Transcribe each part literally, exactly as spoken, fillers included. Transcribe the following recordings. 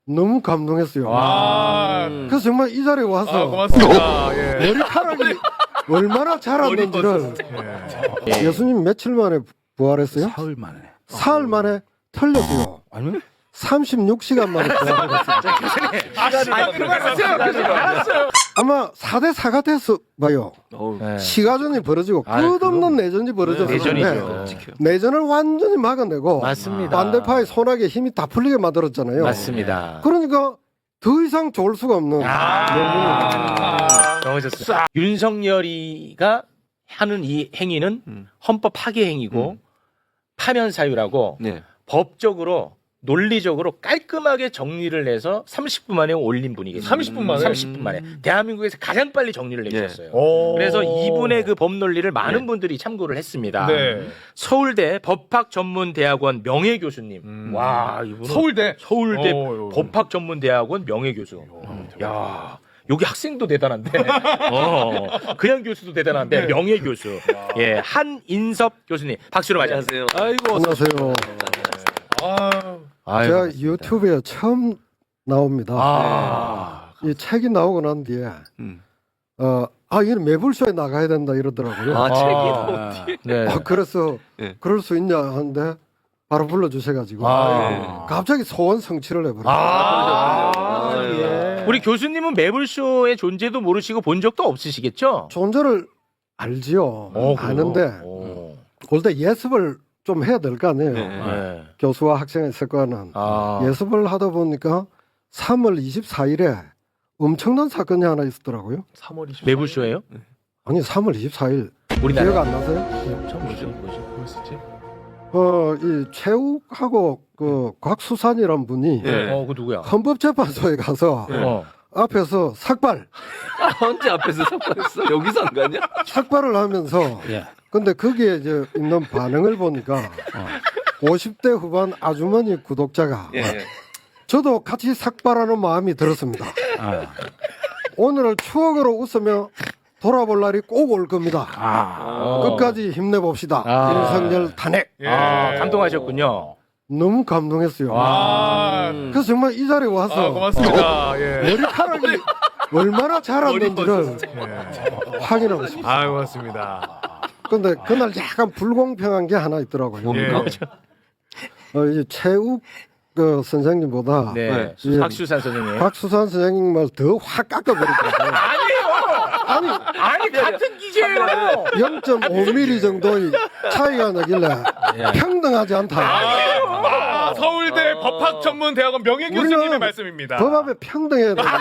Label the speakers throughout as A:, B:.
A: 너무 감동했어요.
B: 아,
A: 그래서 정말 이 자리에 와서
B: 아, 고맙습니다. 예.
A: 머리카락이 얼마나 자랐는지를
B: 예.
A: 예수님 며칠 만에 부활했어요?
C: 사흘 만에.
A: 사흘 만에 틀렸어요.
C: 아니?
A: 삼십육 시간 만에 부활했어요.
B: 아, 그만하세요. 알았어요.
A: 아마 사 대 사가 됐어 봐요.
D: 네.
A: 시가전이 벌어지고
D: 아,
A: 끝없는 내전이 벌어졌는데
D: 내전이죠.
A: 내전을 완전히 막아내고
D: 맞습니다.
A: 반대파의 손아귀에 힘이 다 풀리게 만들었잖아요.
D: 맞습니다.
A: 그러니까 더 이상 좋을 수가 없는
D: 아, 너무 좋습니다. 윤석열이가 하는 이 행위는
C: 음.
D: 헌법 파괴 행위고 파면 사유라고
C: 네.
D: 법적으로 논리적으로 깔끔하게 정리를 해서 삼십 분 만에 올린 분이 계십니다.
B: 삼십 분 만에?
D: 삼십 분 만에. 대한민국에서 가장 빨리 정리를 내주셨어요.
B: 오.
D: 그래서 이분의 그 법 논리를 많은 분들이 참고를 했습니다.
B: 네.
D: 서울대 법학전문대학원 명예교수님.
B: 음.
D: 와, 이분은
B: 서울대.
D: 서울대
B: 오,
D: 법학전문대학원 명예교수. 야, 여기 학생도 대단한데, 어, 그냥 교수도 대단한데 명예교수. 예, 한인섭 교수님 박수로 맞이하세요. 아이고,
A: 안녕하세요.
B: 아,
A: 제가 유튜브에 처음 나옵니다.
D: 아,
A: 이 책이 나오고 난 뒤에
C: 음.
A: 어, 아 이건 매불쇼에 나가야 된다 이러더라고요.
C: 아,
D: 아,
C: 책이
D: 네.
A: 아, 그래서
C: 네.
A: 그럴 수 있냐 하는데 바로 불러주셔가지고
D: 아.
A: 갑자기 소원 성취를 해버렸어요.
D: 아,
C: 아,
D: 예. 우리 교수님은 매불쇼의 존재도 모르시고 본 적도 없으시겠죠?
A: 존재를 알지요.
D: 어, 그래요?
A: 아는데
D: 오.
A: 올 때 예습을 좀 해야 될 거 아니에요.
C: 네.
D: 네.
A: 교수와 학생이 있을 거는
D: 아,
A: 예습을 하다 보니까 삼월 이십사일에 엄청난 사건이 하나 있었더라고요.
B: 삼월 이십사.
D: 매불쇼예요?
A: 아니 삼월 이십사일
D: 우리나라
A: 기억 안 나세요?
D: 처음 보죠.
B: 뭐였었지?
A: 어, 이 최욱하고 그 곽수산이란 분이
C: 네.
D: 어, 그 누구야?
A: 헌법재판소에 가서
D: 어.
A: 앞에서 삭발,
C: 언제 앞에서 삭발했어? 여기서 안 가냐?
A: 삭발을 하면서
D: 예.
A: 근데 거기에 이제 있는 반응을 보니까 오십 대 후반 아주머니 구독자가
C: 예.
A: 저도 같이 삭발하는 마음이 들었습니다. 오늘을 추억으로 웃으며 돌아볼 날이 꼭 올 겁니다.
D: 아,
A: 끝까지 힘내봅시다.
D: 아.
A: 윤석열 탄핵.
B: 예.
D: 아, 감동하셨군요.
A: 너무 감동했어요.
B: 아,
A: 그래서 정말 이 자리에 와서
B: 아, 고맙습니다. 예.
A: 머리카락이 얼마나 자랐는지를
B: 예.
A: 확인하고 싶어요.
B: 아, 고맙습니다.
A: 근데 그날 약간 불공평한 게 하나 있더라고요.
B: 예.
A: 어, 이제 최욱 그 선생님보다
D: 네.
A: 예.
D: 박수산 선생님.
A: 박수산 선생님을 더 확 깎아버리더라고요. 아니
D: 아니, 같은 기계예요.
A: 영 점 오 밀리미터 정도의 차이가 나길래 평등하지 않다.
B: 아, 서울대 법학전문대학원 명예교수님의
A: 우리는
B: 말씀입니다.
A: 법 앞에 평등해야 되는데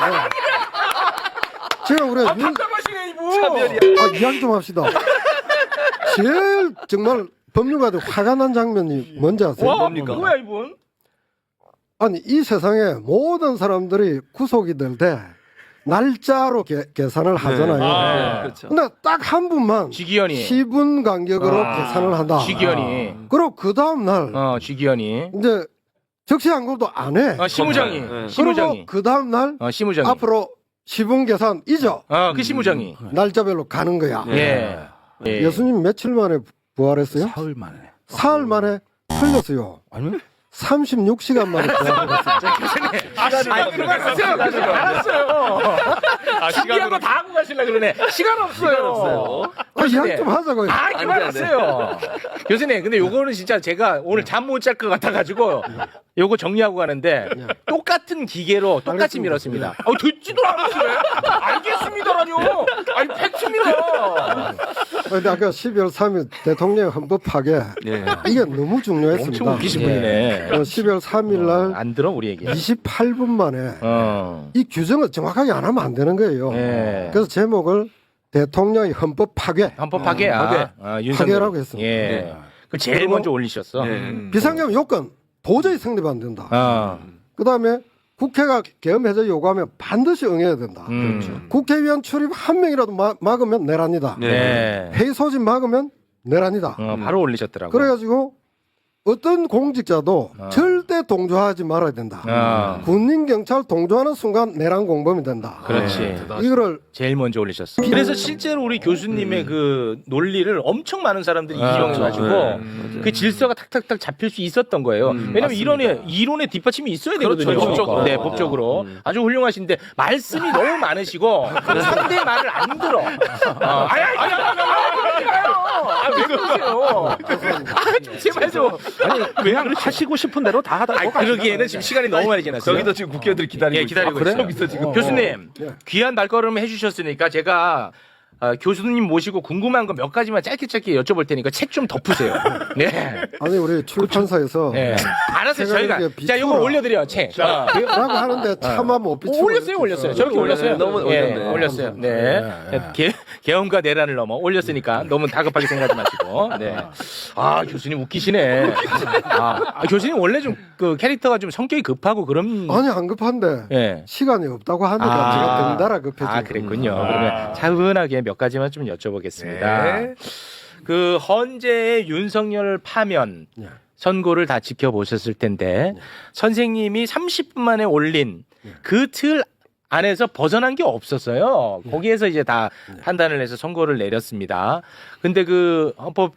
A: 제가 우리 윤,
B: 답답하시네 이분.
A: 아, 이야기 좀 합시다. 제일 정말 법률가들 화가 난 장면이 뭔지 아세요?
D: 와,
C: 뭡니까?
D: 뭐야 이분?
A: 아니 이 세상에 모든 사람들이 구속이 될 때 날짜로 계, 계산을 하잖아요.
B: 아.
C: 그렇죠.
A: 근데 딱 한 분만
D: 지기현이.
A: 십 분 간격으로
D: 아.
A: 계산을 한다.
D: 지기현이.
A: 그리고 그 다음 날
D: 어, 지기현이.
A: 이제 적시 항고도 안 해.
D: 어, 시무장이.
C: 네.
A: 그리고
D: 시무장이.
A: 그 다음 날
D: 어, 시무장이.
A: 앞으로 십 분 계산 잊어.
D: 어, 그 시무장이.
A: 날짜별로 가는 거야.
D: 예. 예.
A: 예수님 며칠 만에 부활했어요?
C: 사흘 만에.
A: 사흘 만에 틀렸어요.
C: 아니?
A: 삼십육 시간 만에 부활했어요.
B: 아, 시간 그만하세요. 알았어요. 아,
D: 신기한 거 다 하고 가시려 그러네. 시간 없어요.
A: 아, 이야기 좀 하자고요.
D: 아, 그만하세요. 교수님, 근데 요거는 진짜 제가 오늘 잠 못 잘 것 같아가지고 요거 정리하고 가는데 똑같은 기계로 똑같이
A: 알겠습니다.
D: 밀었습니다. 어, 듣지도 않았어요. 알겠습니다라뇨. 아니, 팩트입니다.
A: 근데 아까 십이월 삼일 대통령 헌법 파괴
C: 예.
A: 이게 너무
D: 엄청
A: 중요했습니다.
D: 웃기신 분이네.
A: 어, 십이월 삼일 날
D: 안 들어, 우리 얘기.
A: 이십팔 분 만에
D: 어.
A: 이 규정을 정확하게 안 하면 안 되는 거예요.
D: 예.
A: 그래서 제목을 대통령의 헌법 파괴.
D: 헌법 파괴야.
A: 파괴.
D: 아, 윤석열.
A: 파괴라고 했습니다.
D: 예.
C: 네.
D: 그 제일
A: 그리고-
D: 먼저 올리셨어.
C: 예.
B: 음.
A: 비상계엄 요건 도저히 성립 안 된다.
D: 아.
A: 그다음에 국회가 계엄 해제 요구하면 반드시 응해야 된다.
D: 음.
A: 국회의원 출입 한 명이라도 마- 막으면 내란이다.
D: 네.
A: 회의 소집 막으면 내란이다.
D: 어, 바로 올리셨더라고.
A: 그래가지고 어떤 공직자도
D: 어.
A: 절대 절대 동조하지 말아야 된다.
D: 아.
A: 군인 경찰 동조하는 순간 내란 공범이 된다.
D: 그렇지.
A: 이거를
D: 제일 먼저 올리셨어. 그래서 실제로 우리 교수님의 그 논리를 엄청 많은 사람들이 이용해가지고
C: 네.
D: 그 질서가 탁탁탁 잡힐 수 있었던 거예요. 왜냐면 이론에 이론의 뒷받침이 있어야 되거든요.
B: 그렇죠, 법적으로.
D: 네, 법적으로 아주 훌륭하신데 말씀이 너무 많으시고 상대 말을 안 들어. 어, 아니, 아니, 아니, 아니, 아니, 아, 왜 그러세요? 아, 좀 제발 좀.
E: 아니 그냥 하시고 싶은 대로 다 하다.
D: 아니, 그러기에는 지금 시간이 너무 많이 지났어요.
C: 저기도 지금 국회의원들이 기다리고
D: 예, 기다리고
C: 있어요.
D: 있어요.
C: 여기서 지금.
D: 교수님,
A: 예.
D: 귀한 발걸음 해주셨으니까 제가 어, 교수님 모시고 궁금한 거 몇 가지만 짧게 짧게 여쭤볼 테니까 책 좀 덮으세요. 네.
A: 아니 우리 출판사에서
D: 네. 알았어요.
A: 제가
D: 저희가
A: 이렇게
D: 자 이거
A: 비추라.
D: 올려드려 책. 어.
A: 라고 하는데 차마 못 비추고
D: 올렸어요, 올렸어요. 저렇게 올렸어요.
C: 너무
D: 예,
C: 올렸네.
D: 올렸어요. 네. 개, 개엄과 내란을 넘어 올렸으니까 너무 다급하게 생각하지 마시고. 네. 아 교수님 웃기시네. 아, 아, 교수님 원래 좀 그 캐릭터가 좀 성격이 급하고 그런.
A: 아니 안 급한데
D: 예.
A: 시간이 없다고 하니까
D: 아.
A: 제가 덩달아 급해지고.
D: 아, 그랬군요.
B: 아.
D: 그러면 차분하게 몇 가지만 좀 여쭤보겠습니다.
B: 네.
D: 그 헌재의 윤석열 파면
A: 네.
D: 선고를 다 지켜보셨을 텐데 선생님이 삼십 분 만에 올린 그 틀 안에서 벗어난 게 없었어요. 거기에서 이제 다 판단을 해서 선고를 내렸습니다. 근데 그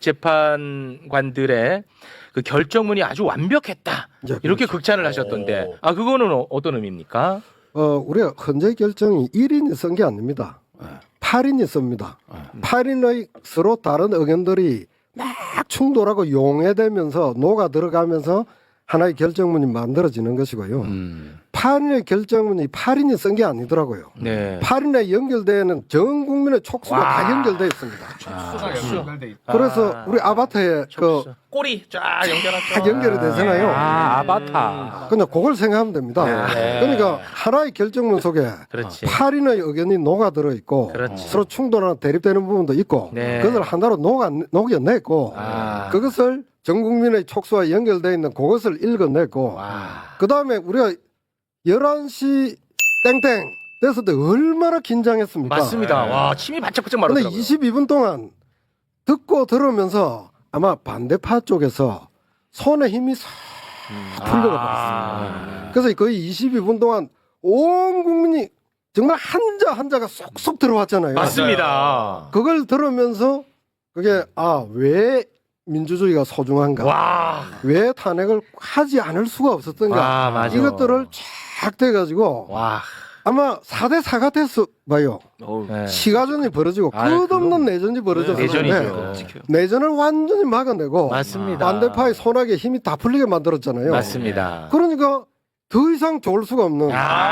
D: 헌법재판관들의 그 결정문이 아주 완벽했다.
A: 네,
D: 이렇게
A: 그렇죠.
D: 극찬을 하셨던데 아 그거는 어- 어떤 의미입니까?
A: 어, 우리가 헌재 결정이 일 인이 쓴 게 아닙니다. 팔 인이 씁니다. 팔 인의 서로 다른 의견들이 막 충돌하고 용해되면서 녹아 들어가면서 하나의 결정문이 만들어지는 것이고요. 팔 인의 결정문이 팔 인이 쓴 게 아니더라고요.
D: 네.
A: 팔 인에 연결되는 전 국민의 촉수가
D: 와.
A: 다 연결되어 있습니다.
B: 연결돼 있다.
A: 그래서
D: 아,
A: 우리 아바타에 그
D: 꼬리 쫙 연결하죠.
A: 다 연결이 되잖아요.
E: 아 아바타.
A: 그냥 그걸 생각하면 됩니다.
D: 네.
A: 그러니까 하나의 결정문 속에
D: 그렇지.
A: 팔 인의 의견이 녹아들어 있고
D: 그렇지.
A: 서로 충돌하는 대립되는 부분도 있고
D: 네.
A: 그것을 하나로 녹아, 녹여냈고
D: 아.
A: 그것을 전 국민의 촉수와 연결되어 있는 그것을 읽어냈고
D: 와.
A: 그 다음에 우리가 열한 시 땡땡 됐을 때 얼마나 긴장했습니까?
D: 맞습니다. 와 침이 바짝바짝
A: 근데
D: 마르더라고요.
A: 이십이 분 동안 듣고 들으면서 아마 반대파 쪽에서 손에 힘이 싹 풀려가 버렸습니다. 그래서 거의 이십이 분 동안 온 국민이 정말 한자 한자가 쏙쏙 들어왔잖아요.
D: 맞습니다.
A: 그걸 들으면서 그게 아 왜 민주주의가 소중한가?
D: 와.
A: 왜 탄핵을 하지 않을 수가 없었던가?
D: 아, 맞아.
A: 이것들을 쫙 돼가지고
D: 와.
A: 아마 사 대 사가 됐어 봐요.
D: 네.
A: 시가전이 벌어지고
D: 아,
A: 끝없는 내전이 벌어졌는데
D: 내전이죠.
A: 내전을 완전히 막아내고
D: 맞습니다.
A: 반대파의 손아귀에 힘이 다 풀리게 만들었잖아요.
D: 맞습니다.
A: 그러니까 더 이상 좋을 수가 없는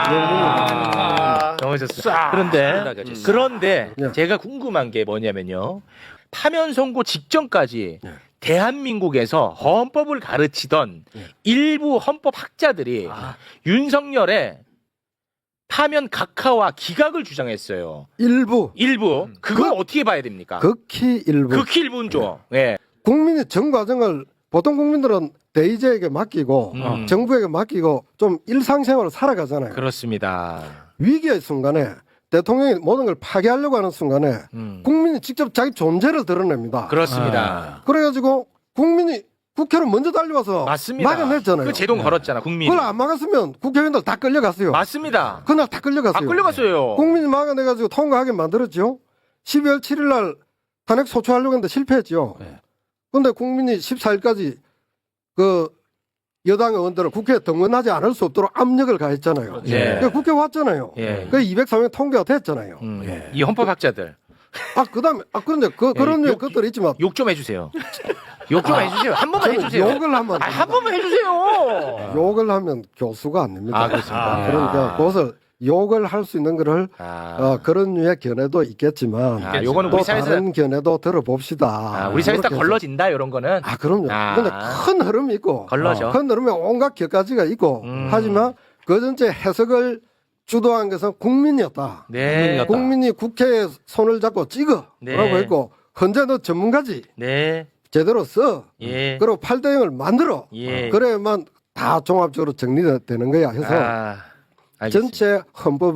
D: 아. 너무 좋습니다. 그런데 그런데
A: 네.
D: 제가 궁금한 게 뭐냐면요. 파면 선고 직전까지
A: 네.
D: 대한민국에서 헌법을 가르치던
A: 네.
D: 일부 헌법 학자들이 윤석열의 파면 각하와 기각을 주장했어요.
A: 일부
D: 일부 그걸
A: 그-
D: 어떻게 봐야 됩니까?
A: 극히 일부
D: 극히 일부죠. 예.
A: 국민이 전 과정을 보통 국민들은 대의제에게 맡기고
D: 음.
A: 정부에게 맡기고 좀 일상생활을 살아가잖아요.
D: 그렇습니다.
A: 위기의 순간에 대통령이 모든 걸 파괴하려고 하는 순간에
D: 음.
A: 국민이 직접 자기 존재를 드러냅니다.
D: 그렇습니다.
A: 그래가지고 국민이 국회로 먼저 달려와서
D: 맞습니다.
A: 막아냈잖아요.
D: 그 제동 걸었잖아, 국민이.
A: 그걸 안 막았으면 국회의원들 다 끌려갔어요.
D: 맞습니다.
A: 그날 다 끌려갔어요.
D: 다 끌려갔어요.
A: 국민이 막아내가지고 통과하게 만들었죠. 십이월 칠일 날 탄핵 소추하려고 했는데 실패했죠. 그런데 국민이 십사 일까지 그 여당 의원들을 국회에 등원하지 않을 수 없도록 압력을 가했잖아요.
D: 예.
A: 그러니까 국회 왔잖아요.
D: 예.
A: 그 이백삼 명 통과가 됐잖아요.
D: 음, 이 헌법학자들
A: 아 그다음에 아 그런데 그 그런
D: 예,
A: 유 것들이 있지만
D: 욕 좀 해주세요. 욕 좀 해주세요. 한 번만
A: 저는
D: 해주세요.
A: 욕을 하면
D: 아, 한 번만 해주세요.
A: 욕을 하면 교수가 안 됩니다.
D: 아, 그렇습니까?
A: 그러니까
D: 아.
A: 그것을 욕을 할 수 있는 거를
D: 아,
A: 어, 그런 류의 견해도 있겠지만
D: 아, 요거는
A: 또
D: 우리 사회에서
A: 다른 견해도 들어봅시다.
D: 아, 우리 사회에서 다
A: 그렇게 해서.
D: 걸러진다 이런 거는.
A: 아 그럼요.
D: 아.
A: 근데 큰 흐름이 있고
D: 걸러져.
A: 큰 흐름에 온갖 격가지가 있고
D: 음.
A: 하지만 그 전체 해석을 주도한 것은 국민이었다.
D: 네.
A: 국민이 국회에 손을 잡고 찍어
D: 네.
A: 라고 했고 헌재 너 전문가지
D: 네.
A: 제대로 써
D: 예.
A: 그리고 팔 대 영을 만들어
D: 예.
A: 그래야만 다 종합적으로 정리되는 거야 해서
D: 아, 알겠습니다.
A: 전체 헌법은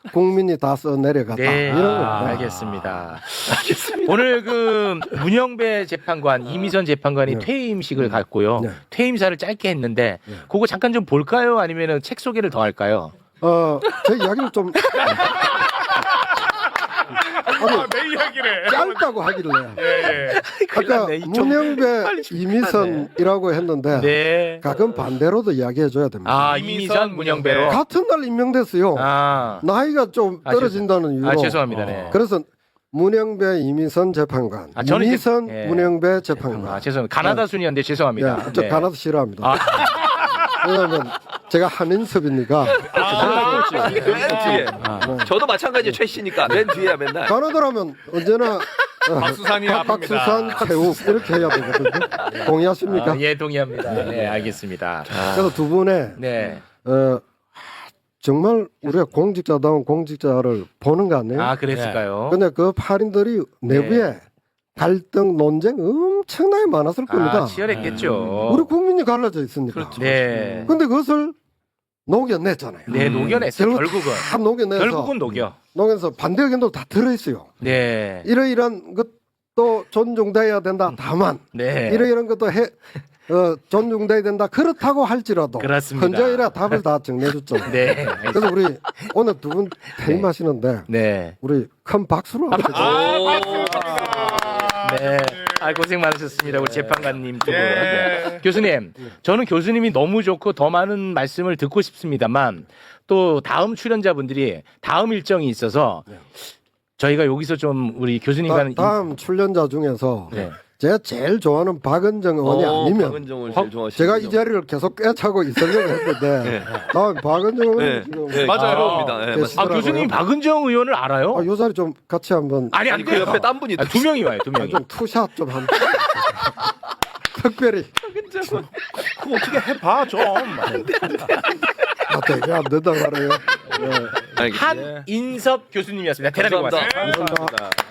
A: 국민이 다 써 내려갔다
D: 네,
A: 이런
D: 아,
A: 겁니다.
D: 알겠습니다. 오늘 그 문영배 재판관, 이미선 재판관이
A: 네.
D: 퇴임식을 갖고요.
A: 네.
D: 퇴임사를 짧게 했는데 그거 잠깐 좀 볼까요? 아니면은 책 소개를 더 할까요?
A: 어, 제 이야기를 좀 아니,
B: 내 이야기래.
A: 짧다고 하길래 아까
D: 났네. 이 좀-
A: 문영배
D: 빨리 좀
A: 이미선이라고 했는데
D: 네.
A: 가끔 반대로도 이야기해줘야 됩니다.
D: 아, 이미선 문영배로.
A: 같은 날 임명됐어요.
D: 아,
A: 나이가 좀
D: 아,
A: 떨어진다는 이유로.
D: 아 죄송합니다. 네.
A: 그래서 문영배 이미선 재판관,
D: 아, 저는 이제-
A: 이미선
D: 예.
A: 문영배 재판관.
D: 아, 죄송합니다. 가나다 순이었는데 죄송합니다.
A: 예, 저
D: 네.
A: 가나다 싫어합니다.
D: 아.
A: 왜냐하면 제가 한인섭이니까
C: 아, 그렇지. 맨 뒤에.
D: 아.
C: 저도 마찬가지 최 씨니까 맨 뒤에야 맨날.
A: 가나다라면 언제나 어,
B: 박수산이
A: 박- 박수산 최욱 이렇게 해야 되거든요. 동의하십니까?
D: 아, 예, 동의합니다. 네, 알겠습니다.
A: 그래서 두 분의
D: 네.
A: 어, 정말 우리가 공직자다운 공직자를 보는 거 아니에요?
D: 아, 그랬을까요?
A: 근데 그 팔인들이 내부에 갈등 논쟁 엄청나게 많았을 겁니다.
D: 아, 치열했겠죠.
A: 우리 국민이 갈라져 있으니까.
D: 네.
A: 근데 그것을 녹여냈잖아요.
D: 네, 녹여냈어요.
A: 결국
D: 결국은.
A: 다 녹여내서
D: 결국은 녹여.
A: 녹여서 반대 의견도 다 들어있어요.
D: 네.
A: 이러이러한 것도 존중돼야 된다. 다만
D: 네.
A: 이러이러한 것도 해, 어, 존중돼야 된다. 그렇다고 할지라도
D: 그렇습니다.
A: 현저이라 답을 다 정리해줬죠.
D: 네.
A: 그래서 우리 오늘 두 분 퇴임하시는데
D: 네.
A: 우리 큰 박수로 한번
C: 오.
D: 네. 아, 고생 많으셨습니다. 우리 재판관님 두 분.
B: 예.
D: 네. 교수님, 저는 교수님이 너무 좋고 더 많은 말씀을 듣고 싶습니다만 또 다음 출연자분들이 다음 일정이 있어서 저희가 여기서 좀 우리 교수님과는
A: 다, 다음 출연자 중에서
D: 네.
A: 제가 제일 좋아하는 박은정 의원이
C: 어,
A: 아니면
C: 박은정을 제일 좋아하시는
A: 제가 이 자리를 계속 꿰차고 있으려고 했는데 다음 박은정 의원이
C: 네.
A: 지금
C: 네,
B: 맞아요.
C: 들어옵니다. 네,
A: 아,
D: 아,
C: 맞습니다.
D: 교수님 박은정 의원을 알아요?
A: 아, 요 자리 좀 같이 한번
D: 아니,
C: 아니
D: 안
C: 그
D: 돼요.
C: 옆에 딴 분이
D: 아, 두 명이 와요, 두
A: 아,
D: 명이.
A: 좀 투샷 좀 한. 특별히
E: 그거 어떻게 해봐 좀.
A: 아, 되게 안 된다 말해요. 네.
C: 알겠습니다.
D: 한인섭 교수님이었습니다. 대단히
C: 감사합니다.
D: 고맙습니다.
A: 감사합니다.